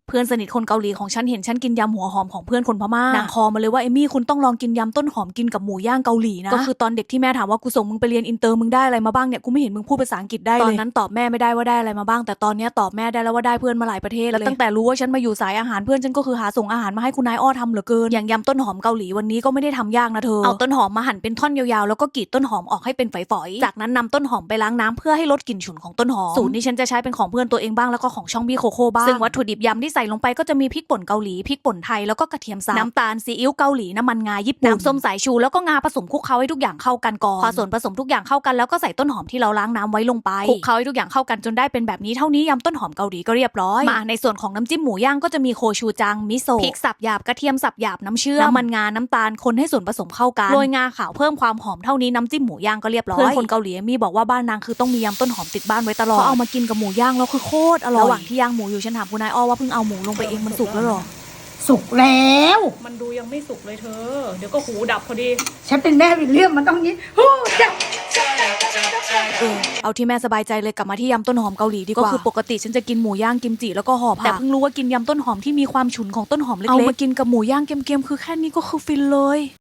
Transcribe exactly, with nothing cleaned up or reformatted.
เพื่อนสนิทคนเกาหลีของฉันเห็นฉันกินยำหัวหอมของเพื่อนคนพม่านางคอมาเลยว่าเอมี่คุณต้องลองกินยำต้นหอมกินกับหมูย่างเกาหลีนะก็คือตอนเด็กที่แม่ถามว่ากูส่งมึงไปเรียนอินเตอร์มึงได้อะไรมาบ้างเนี่ยกูไม่เห็นมึงพูดภาษาอังกฤษได้เลยตอนนั้นตอบแม่ไม่ได้ว่าได้อะไรมาบ้างแต่ตอนนี้ตอบแม่ได้แล้วว่าได้เพื่อนมาหลายประเทศแล้วตั้งแต่รู้ว่าฉันมาอยู่สายอาหารเพื่อนฉันก็คือหาส่งอาหารมาให้คุณนายอ้อทำเหลือเกินอย่างยำต้นหอมเกาหลีวันนี้ก็ไม่ได้ทำยากนะเธอเอาต้นหอมมาหั่นเป็นท่อนยาวๆแล้วก็กรีดต้นหอมออกให้เป็นฝอยๆจากนั้นนำต้นหอมไปล้างน้ำเพื่อให้ลดกลิ่นฉุนของต้นหอมสูตรนี้ฉันจะใช้เป็นของเพื่อนตัวเองบ้างแล้วก็ของช่องบี้โคโค่บ้างซึ่งวัตถุดิบยำที่ใส่ลงไปก็จะมีพริกป่นเกาหลีพริกป่นไทยแล้วก็กระเทียมสับน้ำตาลซีอิ๊วเกาหลีน้ำมันงาญี่ปุ่นน้ำส้มสายชูแล้วก็งาผสมคลุกเคล้าให้ทุกอย่างเข้ากันก่อนพอส่วนผสมทุกอย่างเข้ากันแล้วก็ใส่ต้นหอมที่เราล้างน้ำไว้ลงไปคลุกเคล้าให้ทุกอย่างเข้ากันจนได้เป็นแบบนี้เท่านี้ยำต้นหอมเกาหลีก็เรียบร้อยมาในส่วนของน้ำจิ้มหมูย่างก็จะมีโคชูจังมิโซะพริกสับหยาบกระเทียมสับหยาบน้ำเชื่อมน้ำมันงาน้ำตาลคนให้ส่วนผสมเข้ากันโรยงาขาวเพิ่มความหอมเท่านี้น้ำจิ้มหมูย่างก็เรียบร้อยเพื่อนคนเกาหลีมีบอกว่าบ้านนางคือต้องมียำต้นหอมติดบ้านไว้ตลอดเพราะเอามากินกับหมูย่างแล้วคือโคตรอร่อยระหว่างที่ย่างหมูอยู่ฉันถามคุณนายอ้อว่าเพิ่งเอาหมูลงไปเองมันสุกแล้วหรอสุกแล้วมันดูยังไม่สุกเลยเธอเดี๋ยวก็หูดับพอดีฉันเป็นแม่วิลเลียมมันต้องนี้ฮู้ดับเออเอาที่แม่สบายใจเลยกลับมาที่ยำต้นหอมเกาหลีดีกว่าก็คือปกติฉันจะกินหมูย่างกิมจิแล้วก็ห่อผักแต่เพิ่งรู้ว่ากินยำต้นหอมที่มีความฉุนของต้นหอมเล็กๆเอามากินกับหมูย่างเค็มๆคือแค่นี้ก็คือฟินเลย